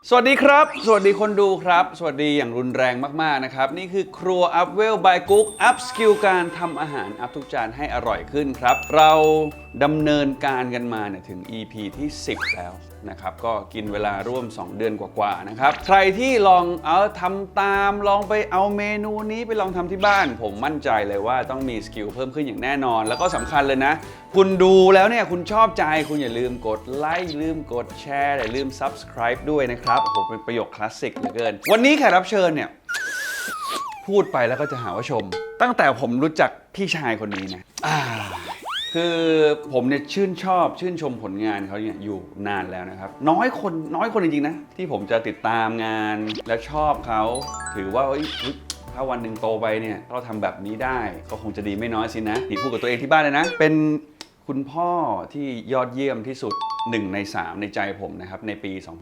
สวัสดีครับสวัสดีคนดูครับสวัสดีอย่างรุนแรงมากๆนะครับนี่คือครัวอัพเวลบายกุ๊กอัพสกิลการทำอาหารอัพทุกจานให้อร่อยขึ้นครับเราดำเนินการกันมาเนี่ยถึง EP ที่10แล้วนะครับก็กินเวลาร่วม2เดือนกว่าๆนะครับใครที่ลองทำตามลองไปเอาเมนูนี้ไปลองทำที่บ้านผมมั่นใจเลยว่าต้องมีสกิลเพิ่มขึ้นอย่างแน่นอนแล้วก็สำคัญเลยนะคุณดูแล้วเนี่ยคุณชอบใจคุณอย่าลืมกดไลค์ลืมกดแชร์อย่าลืม Subscribe ด้วยนะครับโอ้โหเป็นประโยคคลาสสิกเหลือเกินวันนี้แขกรับเชิญเนี่ยพูดไปแล้วก็จะหาว่าชมตั้งแต่ผมรู้จักพี่ชายคนนี้นะคือผมเนี่ยชื่นชมผลงานเขาเนี่ยอยู่นานแล้วนะครับน้อยคนจริงๆนะที่ผมจะติดตามงานและชอบเขาถือว่าถ้าวันหนึ่งโตไปเนี่ยเราทำแบบนี้ได้ก็คงจะดีไม่น้อยสินะนี่พูดกับตัวเองที่บ้านเลยนะเป็นคุณพ่อที่ยอดเยี่ยมที่สุด1 ใน 3ในใจผมนะครับในปี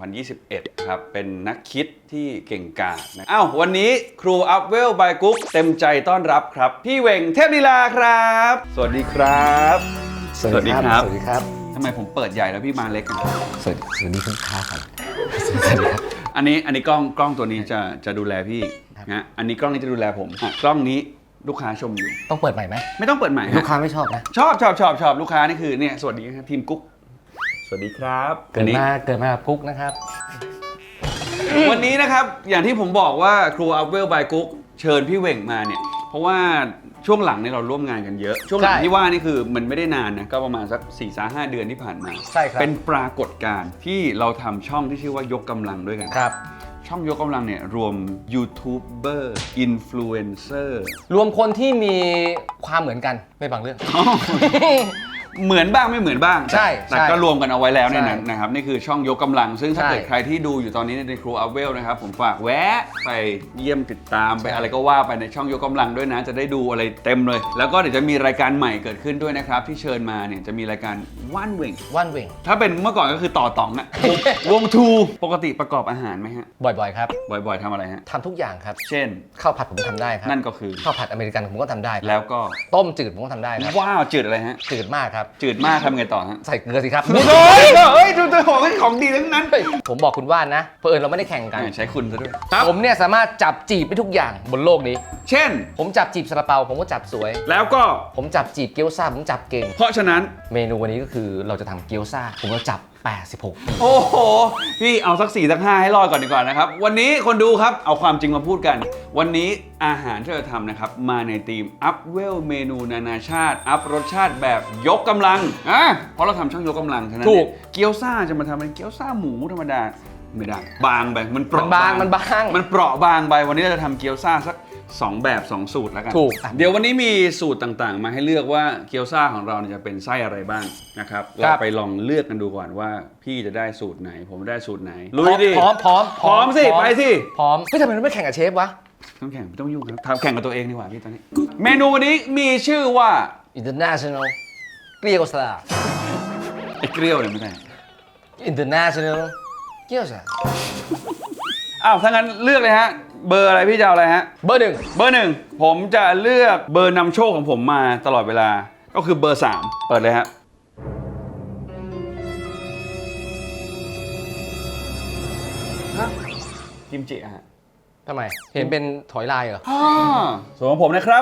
2021 ครับเป็นนักคิดที่เก่งกาจนะวันนี้ครูอัพเวลบายกุ๊กเต็มใจต้อนรับครับพี่เหว่งเทพลีลาครับสวัสดีครับสวัสดีครับสวัสดีครับทำไมผมเปิดใหญ่แล้วพี่มาเล็กกันสวัสดีคุณค้าครับสวัสดีครับอันนี้กล้องตัวนี้จะดูแลพี่นะอันนี้กล้องนี้จะดูแลผมกล้องนี้ลูกค้าชมอยู่ต้องเปิดใหม่ไหมไม่ต้องเปิดใหม่ลูกค้าไม่ชอบนะชอบลูกค้านี่คือเนี่ยสวัสดีครับทีมกุ๊กสวัสดีครับเกิดมากับกุ๊กนะครับวันนี้นะครับอย่างที่ผมบอกว่าครูอัพเวลบายกุ๊กเชิญพี่เหว่งมาเนี่ยเพราะว่าช่วงหลังเนี่ยเราร่วมงานกันเยอะช่วงหลังที่ว่านี่คือมันไม่ได้นานนะก็ประมาณสัก 4-5 เดือนที่ผ่านมาใช่ครับเป็นปรากฏการณ์ที่เราทำช่องที่ชื่อว่ายกกำลังด้วยกันครับช่องยกกำลังเนี่ยรวมยูทูบเบอร์อินฟลูเอนเซอร์รวมคนที่มีความเหมือนกันในบางเรื่องเหมือนบ้างไม่เหมือนบ้างใช่แต่ก็รวมกันเอาไว้แล้วในนั้นนะครับนี่คือช่องยกกำลังซึ่งถ้าเกิดใครที่ดูอยู่ตอนนี้ในครูอัพเวลนะครับผมฝากแวะไปเยี่ยมติดตามไปอะไรก็ว่าไปในช่องยกกำลังด้วยนะจะได้ดูอะไรเต็มเลยแล้วก็เดี๋ยวจะมีรายการใหม่เกิดขึ้นด้วยนะครับที่เชิญมาเนี่ยจะมีรายการว่านเว่งถ้าเป็นเมื่อก่อนก็คือต่อต๋องอะวงทูปกติประกอบอาหารไหมฮะบ่อยๆครับบ่อยๆทำอะไรฮะทำทุกอย่างครับเช่นข้าวผัดผมทำได้ครับนั่นก็คือข้าวผัดอเมริกันผมก็ทำได้แล้วก็ต้มจืดผมก็ทำได้ครับว้าวจืดอะไรฮะจืดมากครับจืดมากทำไงต่อฮะใส่เกลือสิครับเฮ้ยดูตัวของดีทั้งนั้นผมบอกคุณว่านนะเผอิญเราไม่ได้แข่งกันใช้คุณซะด้วยผมเนี่ยสามารถจับจีบได้ทุกอย่างบนโลกนี้เช่นผมจับจีบซาลาเปาผมก็จับสวยแล้วก็ผมจับจีบเกี๊ยวซ่าผมจับเก่งเพราะฉะนั้นเมนูวันนี้ก็คือเราจะทำเกี๊ยวซ่าผมก็จับ86 โอ้โหพี่เอาสัก4สัก5ให้รอดก่อนดีกว่านะครับวันนี้คนดูครับเอาความจริงมาพูดกันวันนี้อาหารที่เราทำนะครับมาในธีมอัพเวลเมนูนานาชาติอัพรสชาติแบบยกกำลังเพราะเราทำช่องยกกำลังฉะนั้นเกี๊ยวซ่าจะมาทำเป็นเกี๊ยวซ่าหมูธรรมดาไม่ได้บางไปมันเปราะบางมันเปราะบางไปวันนี้เราจะทำเกี๊ยวซ่าสัก2 แบบ 2 สูตรแล้วกันถูกเดี๋ยววันนี้มีสูตรต่างๆมาให้เลือกว่าเกี๊ยวซ่าของเราจะเป็นไส้อะไรบ้างนะครับเราไปลองเลือกกันดูก่อนว่าพี่จะได้สูตรไหนผมได้สูตรไหนลุยดิพร้อมสิไปสิพร้อมทำไมไม่แข่งกับเชฟวะต้องแข่งไม่ต้องยุ่งครับทำแข่งกับตัวเองดีกว่าพี่ตอนนี้เมนูวันนี้มีชื่อว่า International เกี๊ยวซ่าไอ้เกลียวเนี่ยไม่ใช่ International เกี๊ยวซ่าถ้างั้นเลือกเลยฮะเบอร์อะไรพี่จะเอาอะไรฮะเบอร์ 1ผมจะเลือกเบอร์นำโชคของผมมาตลอดเวลาก็คือเบอร์3เปิดเลยฮะกิมจิฮะทำไมเห็นเป็นถอยลายเหรอส่วนของผมนะครับ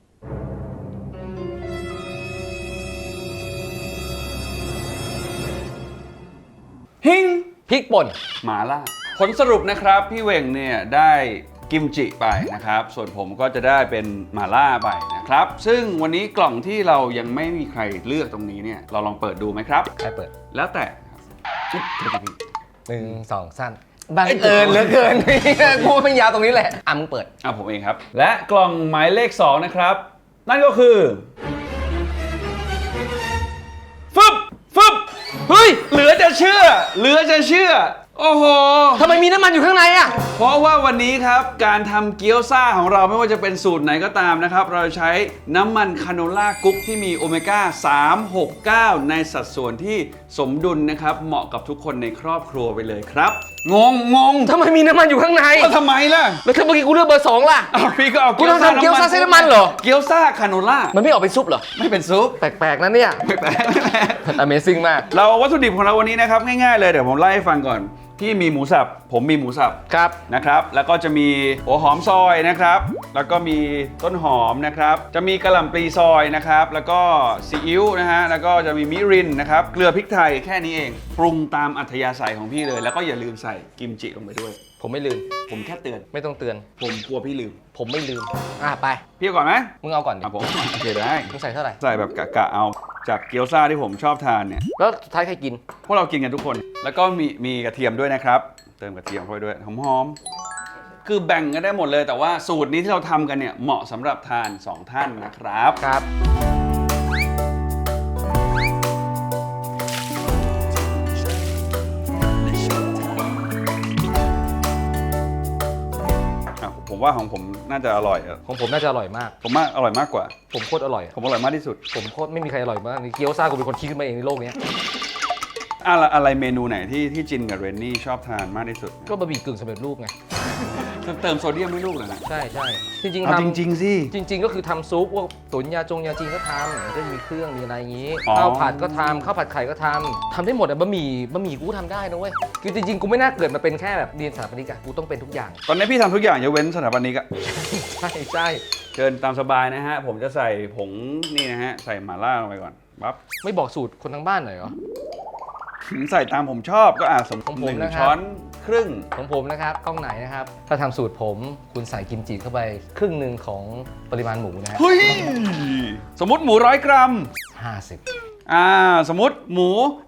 ฮิงพริกป่นหม่าล่าผลสรุปนะครับพี่เหว่งเนี่ยได้กิมจิไปนะครับส่วนผมก็จะได้เป็นหม่าล่าไปนะครับซึ่งวันนี้กล่องที่เรายังไม่มีใครเลือกตรงนี้เนี่ยเราลองเปิดดูไหมครับใครเปิดแล้วแต่ 1 2 3บังเอิญเหลือเกินพูดเป็นยาวตรงนี้แหละมึงเปิดผมเองครับและกล่องหมายเลข2นะครับนั่นก็คือฟึบเฮ้ยเหลือจะเชื่อโอ้โหทำไมมีน้ำมันอยู่ข้างในอ่ะเพราะว่าวันนี้ครับการทำเกี๊ยวซ่าของเราไม่ว่าจะเป็นสูตรไหนก็ตามนะครับเราใช้น้ำมันคาโนล่ากุ๊กที่มีโอเมก้า369ในสัดส่วนที่สมดุลนะครับเหมาะกับทุกคนในครอบครัวไปเลยครับงงทำไมมีน้ำมันอยู่ข้างในก็ทำไมล่ะแล้วถ้าเมื่อกี้กูเลือกเบอร์ 2ล่ะอ้าวพี่ก็เอาคุณต้องทำเกี๊ยวซ่าเส้นน้ำมันเหรอเกี๊ยวซ่าคาโนล่ามันไม่ออกเป็นซุปเหรอไม่เป็นซุปแปลกๆนะเนี่ยไม่แปลก Amazing มากเราวัตถุดิบของเราวันนี้นะครับง่ายๆเลยเดี๋ยวผมไล่ให้ฟังก่อนพี่มีหมูสับผมมีหมูสับครับนะครับแล้วก็จะมีหัวหอมซอยนะครับแล้วก็มีต้นหอมนะครับจะมีกระหล่ำปลีซอยนะครับแล้วก็ซีอิ๊วนะฮะแล้วก็จะมีมิรินนะครับเกลือพริกไทยแค่นี้เองปรุงตามอัธยาศัยของพี่เลย แล้วก็อย่าลืมใส่กิมจิลงไปด้วยผมไม่ลืมผมแค่เตือนไม่ต้องเตือนผมกลัวพี่ลืมผมไม่ลืม ไปพี่เอาก่อนไหมมึงเอาก่อนดิผมโอเคได้มึงใส่เท่าไหร่ใส่แบบกะเอาจากเกี๊ยวซ่าที่ผมชอบทานเนี่ยแล้วสุดท้ายใครกินพวกเรากินกันทุกคน แล้วก็มีกระเทียมด้วยนะครับ เติมกระเทียมเข้าไปด้วย หอมๆ คือแบ่งกันได้หมดเลย แต่ว่าสูตรนี้ที่เราทำกันเนี่ยเหมาะสำหรับทาน 2 ท่านนะครับครับผมว่าของผมน่าจะอร่อยอะของผมน่าจะอร่อยมากผมว่าอร่อยมากกว่าผมโคตรอร่อยผมอร่อยมากที่สุดผมโคตรไม่มีใครอร่อยมากนี่เกี๊ยวซ่ากูเป็นคนคิดขึ้นมาเองในโลกเนี้ยอะไรเมนูไหนที่จินกับเรนนี่ชอบทานมากที่สุดก็บะหมี่กึ่งสำเร็จรูปไงเติมโซเดียมให้ลูกเหรอนะใช่ใช่จริงๆเอาทำจริงๆสิจริง ๆ ก็คือทำซุปพวกตุ๋นยาจีนก็ทำมันก็จะมีเครื่องมีอะไรอย่างนี้อ๋อข้าวผัดก็ทำข้าวผัดไข่ก็ทำได้หมดอะบะหมี่กูทำได้นะเว้ยคือจริงๆกูไม่น่าเกิดมาเป็นแค่แบบเรียนสถาปนิกอะกูต้องเป็นทุกอย่างตอนนี้พี่ทำทุกอย่างยกเว้นสถาปนิกอะใช่ใช่เชิญตามสบายนะฮะ ผมจะใส่ผงนี่นะฮะ ใส่หม่าล่าลงไปก่อนปั๊บไม่บอกสูตรคนทั้งบ้านหน่อยเหรอใส่ตามผมชอบก็สมของผมหนึ่งนะครับช้อนครึ่งของผมนะครับกล้องไหนนะครับถ้าทำสูตรผมคุณใส่กิมจิเข้าไปครึ่งหนึ่งของปริมาณหมูนะฮะเฮ้ย สมมติหมู100 กรัม 50 สมมติหมู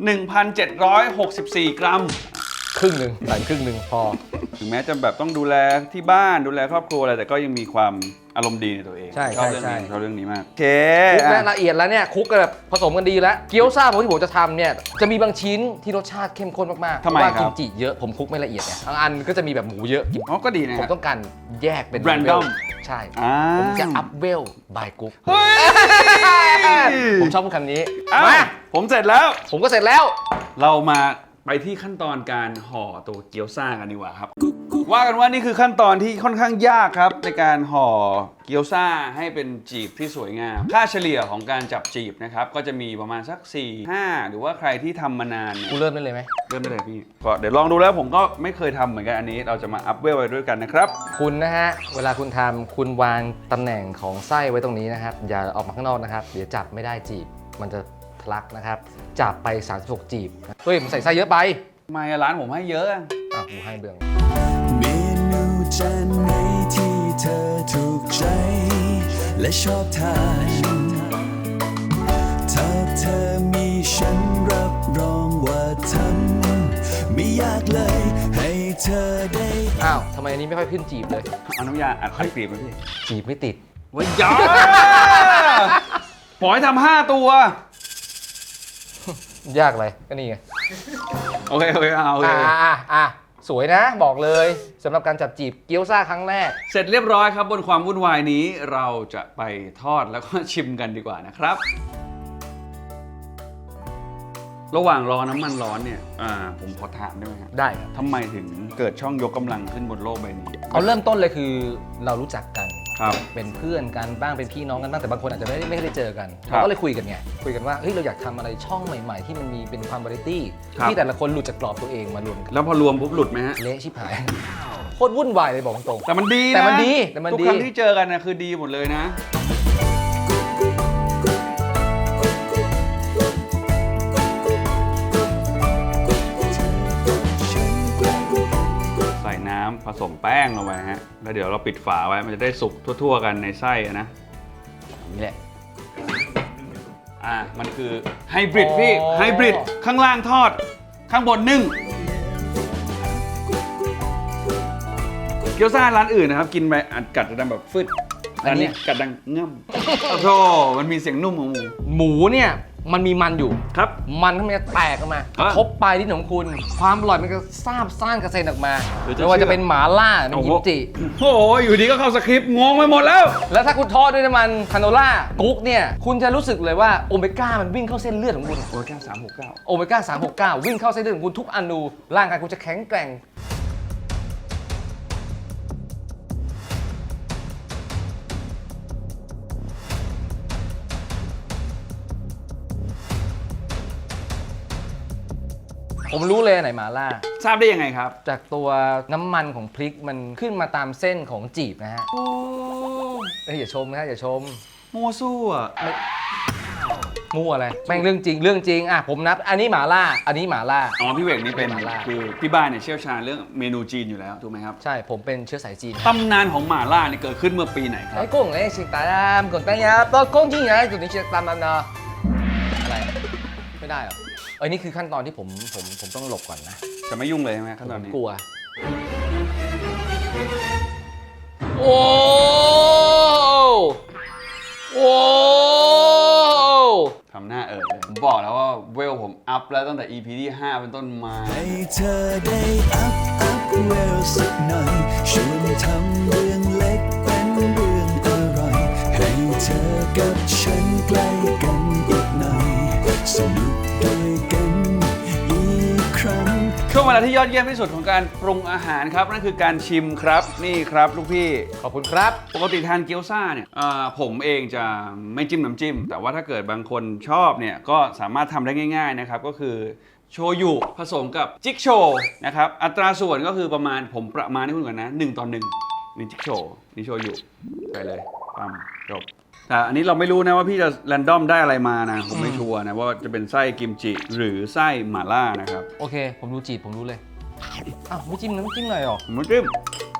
1,764 กรัมครึ่งหนึ่งใส่ครึ่งหนึ่งพอถึงแม้จะแบบต้องดูแลที่บ้านดูแลครอบครัวอะไรแต่ก็ยังมีความอารมณ์ดีในตัวเองใช่ชอบใช่เรื่องใช่นี้ชอบเรื่องนี้มากโอเคคลุกอ่ะและละเอียดแล้วเนี่ยคลุกกันแบบผสมกันดีแล้วเกี๊ยวซ่าผมที่ผมจะทำเนี่ยจะมีบางชิ้นที่รสชาติเข้มข้นมากๆเพทำไมราะว่าครับกิมจิเยอะผมคลุกไม่ละเอียดไงบางอันก็จะมีแบบหมูเยอะอ๋อก็ดีนะผมฮะต้องการแยกเป็น Random ใช่ ผมจะอัพเวลบายกุ๊กเฮ้ยผมชอบพูดคำนี้อ่ะมาผมเสร็จแล้วผมก็เสร็จแล้วเรามาไปที่ขั้นตอนการห่อตัวเกี๊ยวซ่ากันดีกว่าครับ ว่ากันว่านี่คือขั้นตอนที่ค่อนข้างยากครับในการห่อเกี๊ยวซ่าให้เป็นจีบที่สวยงาม ค่าเฉลี่ยของการจับจีบนะครับก็จะมีประมาณสัก 4-5 หรือว่าใครที่ทำมานานเนี่ยกูเริ่มได้เลยไหมเริ่มได้เลยพี่ก็เดี๋ยวลองดูแล้วผมก็ไม่เคยทำเหมือนกันอันนี้ เราจะมาอัพเวลไปด้วยกันนะครับคุณนะฮะ เวลาคุณทำคุณวางตำแหน่งของไส้ไว้ตรงนี้นะครับ อย่าออกมาข้างนอกนะครับ เดี๋ยวจับไม่ได้จีบ มันจะทะลักนะครับ จับไป 36 จีบ เฮ้ยมันใส่ไส้เยอะไปทำไมร้านผมให้เยอะอะกูให้เบื้องเมนูจานไหนที่เธอถูกใจ และชอบทานถ้าเธอมีฉันรับรองว่าทำไม่ยากเลยให้เธอได้อ้าวทำไมอันนี้ไม่ค่อยขึ้นจีบเลยเอาน้ำยาอัดไข่กรีบไหมพี่จีบไม่ติดว้ยยาปล่อยทำ5 ตัวยากเลยก็นี่ไงโอเคโอเคเอาโอเคสวยนะบอกเลยสำหรับการจับจีบเกี๊ยวซ่าครั้งแรกเสร็จเรียบร้อยครับบนความวุ่นวายนี้เราจะไปทอดแล้วก็ชิมกันดีกว่านะครับ ระหว่างรอน้ำมันร้อนเนี่ยผมขอถามได้ไหมครับได้ครับทำไมถึงเกิดช่องยกกำลังขึ้นบนโลกใบนี้เอาเริ่มต้นเลยคือเรารู้จักกันครับเป็นเพื่อนกันบ้างเป็นพี่น้องกันบ้างแต่บางคนอาจจะไม่ได้เจอกันครับเราก็เลยคุยกันไงคุยกันว่าเฮ้ยเราอยากทำอะไรช่องใหม่ๆ ที่มันมีเป็นความวาไรตี้ครับที่แต่ละคนหลุดจากกรอบตัวเองมารวมกันแล้วพอรวมปุ๊บหลุดไหมฮะเละชิบหายโคตรวุ่นวายเลยบอกตรงแต่มันดีนะแต่มันดีแต่มันดีทุกครั้งที่เจอกันนะคือดีหมดเลยนะ ใส่น้ำผสมแป้งลงไปฮะ แล้วเดี๋ยวเราปิดฝาไว้มันจะได้สุกทั่วๆกันในไส้อะนะนี่แหละมันคือไฮบริดพี่อ๋อไฮบริดข้างล่างทอด ข้างบนนึ่ง เกี๊ยวซ่าร้านอื่นนะครับ กินไปอัดกัดจะดังแบบฟึดอันนี้กัดดังง่ำโอ้โธ่มันมีเสียงนุ่มของหมูหมูเนี่ยมันมีมันอยู่ครับมันมันจะแตกออกมาอ่ะทบปลายลิ้นของคุณ ความอร่อยมันก็ซาบซ่านกระเซ็นออกมาหรือจะไม่ว่าจะเป็นหมาล่าเป็นกิมจิโอ้โหอยู่ดีก็เข้าสคริปต์งงไปหมดแล้วแล้วถ้าคุณทอดด้วยน้ำมันคาโนล่ากุ๊กเนี่ยคุณจะรู้สึกเลยว่าโอเมก้ามันวิ่งเข้าเส้นเลือดของคุณโอ้ยแค่369 โอเมก้า369 วิ่งเข้าเส้นเลือดของคุณทุกอนูร่างกายคุณจะแข็งแกร่ง ผมรู้เลยอันไหนหมาล่าทราบได้ยังไงครับจากตัวน้ำมันของพริกมันขึ้นมาตามเส้นของจีบนะฮะเอ้ยอย่าชมนะอย่าชมมั่วสู้อ่ะมั่วอะไรแม่งเรื่องจริงอ่ะผมนับอันนี้หมาล่าอันนี้หมาล่าอ๋อพี่เวกนี่เป็นหม่าล่าคือที่บ้านเนี่ยเชี่ยวชาญเรื่องเมนูจีนอยู่แล้วถูกไหมครับใช่ผมเป็นเชื้อสายจีนตำนานของหม่าล่าเนี่ยเกิดขึ้นเมื่อปีไหนครับไอ้กุ้งไอ้สิงตามก่อนตั้งยาตอนกุ้งจริงไงจุดนี้เชียตามมันเนาะอะไรไม่ได้เหรอเอ้ยนี่คือขั้นตอนที่ผมต้องหลบก่อนนะจะไม่ยุ่งเลยใช่ไหมขั้นตอนนี้กลัวโอ้โอ้ทำหน้าเลยผมบอกแล้วว่าเวลผมอัพแล้วตั้งแต่ EP ที่ 5 เป็นต้นมาให้เธอได้อัพเวลสักหน่อยชวนทำเรื่องเล็กเป็นเรื่องอร่อยให้เธอกับฉันใกล้กันอีกหน่อยสนุกด้วยกันอีกครั้งช่วงเวลาที่ยอดเยี่ยมที่สุดของการปรุงอาหารครับนั่นคือการชิมครับนี่ครับลูกพี่ขอบคุณครับปกติทานเกี๊ยวซ่าเนี่ยผมเองจะไม่จิ้มน้ำจิ้ม แต่ว่าถ้าเกิดบางคนชอบเนี่ยก็สามารถทำได้ง่ายๆนะครับก็คือโชยุผสมกับจิ๊กโชว์นะครับอัตราส่วนก็คือประมาณผมประมาณให้คุณก่อนนะ1:1นี่จิ๊กโชว์นี่โชยุไปเลยปั๊มจบแต่อันนี้เราไม่รู้นะว่าพี่จะแรนดอมได้อะไรมานะผมไม่ชัวร์นะว่าจะเป็นไส้กิมจิหรือไส้หม่าล่านะครับโอเคผมดูจีบผมรู้เลยอ้าวไม่จิ้มน้ำจิ้มหน่อยหรอผมไม่จิ้ม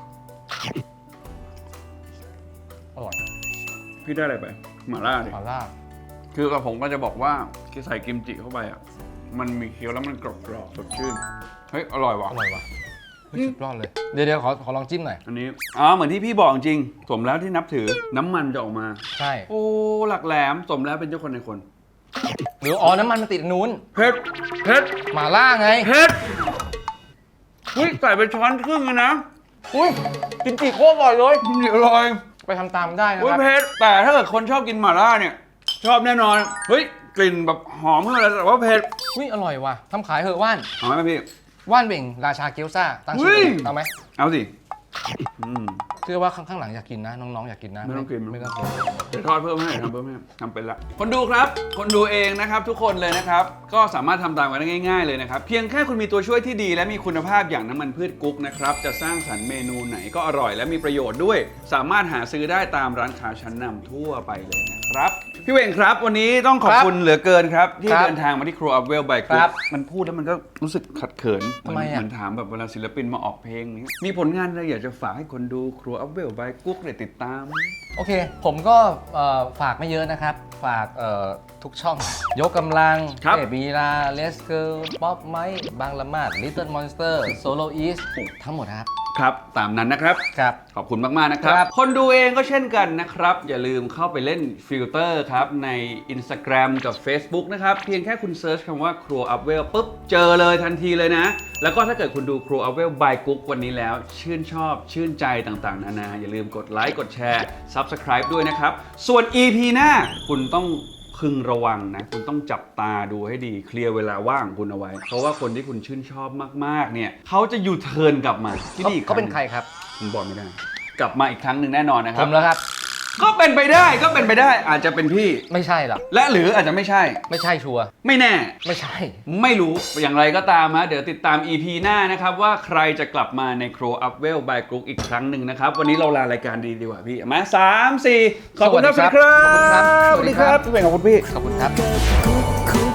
อร่อยพี่ได้อะไรไปหม่าล่าดิหมาล่าคือกับผมก็จะบอกว่าที่ใส่กิมจิเข้าไปอ่ะ มันมีเคี้ยวแล้วมันกรอบๆสดชื่น เฮ้ย อร่อยว่ะอร่อยว่ะเฮ้ยสุดยอดเลยเดี๋ยวขอลองจิ้มหน่อยอันนี้ เหมือนที่พี่บอกจริง สมแล้วที่นับถือ น้ำมันจะออกมาใช่โอ้ หลักแหลม สมแล้วเป็นเจ้าคนในคนหรืออ๋อน้ำมันมันติดอันนู้นเผ็ด เผ็ดหมาล่าไงเผ็ดเฮ้ย ใส่ไปช้อนครึ่งเลยนะอุ้ยกินจีโคตรอร่อยเลยอร่อยไปทำตามได้นะเฮ้ยครับเผ็ด แต่ถ้าเกิดคนชอบกินหม่าล่าเนี่ย ชอบแน่นอน เฮ้ย กลิ่นแบบหอมขึ้นมาเลยแต่ว่าเผ็ดอุ้ยอร่อยว่ะทำขายเหอะว่านหอมไหมพี่ว่านเบ่งราชาเกี๊ยวซ่าตั้งชื่อเฮ้ยเอาไหมเอาสิเชื่อว่าข้างหลังอยากกินนะน้องๆอยากกินนะไม่ต้องกินไม่ต้องกินเดี๋ยวทอดเพิ่มให้ทำเพิ่มให้ทำเป็นละคนดูครับ คนดูเองนะครับทุกคนเลยนะครับ ก็สามารถทำตามกันได้ง่ายๆเลยนะครับ เพียงแค่คุณมีตัวช่วยที่ดีและมีคุณภาพอย่างน้ำมันพืชกุ๊กนะครับ จะสร้างสรรค์เมนูไหนก็อร่อยและมีประโยชน์ด้วย สามารถหาซื้อได้ตามร้านค้าชั้นนำทั่วไปเลยนะครับ พี่เวงครับ วันนี้ต้องขอบคุณเหลือเกินครับ ที่เดินทางมาที่ครัวอัพเวลบายกุ๊กมันพูดแล้วมันก็รู้สึกขัดเขินเหมือนถามแบบเวลาศิลปินมาออกเพลงนี้มีผลงานอะไรอยากจะฝากให้คนดูครัวอัพเวลบายกุ๊กได้ติดตามโอเค ผมก็ฝากไม่เยอะนะครับ ฝากทุกช่อง ยกกำลังครับเอบีลาเลสเกิร์ลป๊อปไมค์บางละมาดลิตเติ้ลมอนสเตอร์โซโลอีสทั้งหมดครับครับตามนั้นนะครับครับขอบคุณมาก ๆ นะครับครับคนดูเองก็เช่นกันนะครับ อย่าลืมเข้าไปเล่นฟิลเตอร์ครับใน Instagram กับ Facebook นะครับ เพียงแค่คุณเซิร์ชคำว่าครัวอัพเวลปุ๊บ เจอเลยทันทีเลยนะ แล้วก็ถ้าเกิดคุณดูครัวอัพเวลบายกุ๊กวันนี้แล้ว ชื่นชอบชื่นใจต่างๆ นานา อย่าลืมกดไลค์กดแชร์ Subscribe ด้วยนะครับ ส่วน EP หน้าคุณต้องพึงระวังนะ คุณต้องจับตาดูให้ดีเคลียร์เวลาว่างของคุณเอาไว้ เพราะว่าคนที่คุณชื่นชอบมาก ๆ เนี่ยเขาจะยูเทิร์นกลับมาที่นี่อีกเขาเป็นใครครับผมบอกไม่ได้ กลับมาอีกครั้งหนึ่งแน่นอนนะคผรับมแล้วครับก็เป็นไปได้อาจจะเป็นพี่ไม่ใช่หรอกและหรืออาจจะไม่ใช่ไม่ใช่ชัวร์ไม่แน่ไม่ใช่ไม่รู้อย่างไรก็ตามฮะเดี๋ยวติดตาม EP หน้านะครับ ว่าใครจะกลับมาในครัวอัพเวลบายกรุ๊กอีกครั้งหนึ่งนะครับ วันนี้เราลารายการดีกว่าพี่มา3-4 ขอบคุณครับสวัสดีครับสวัสดีครับสวัสดีครับพี่เวงขอบคุณพี่ขอบคุณครับกับคุก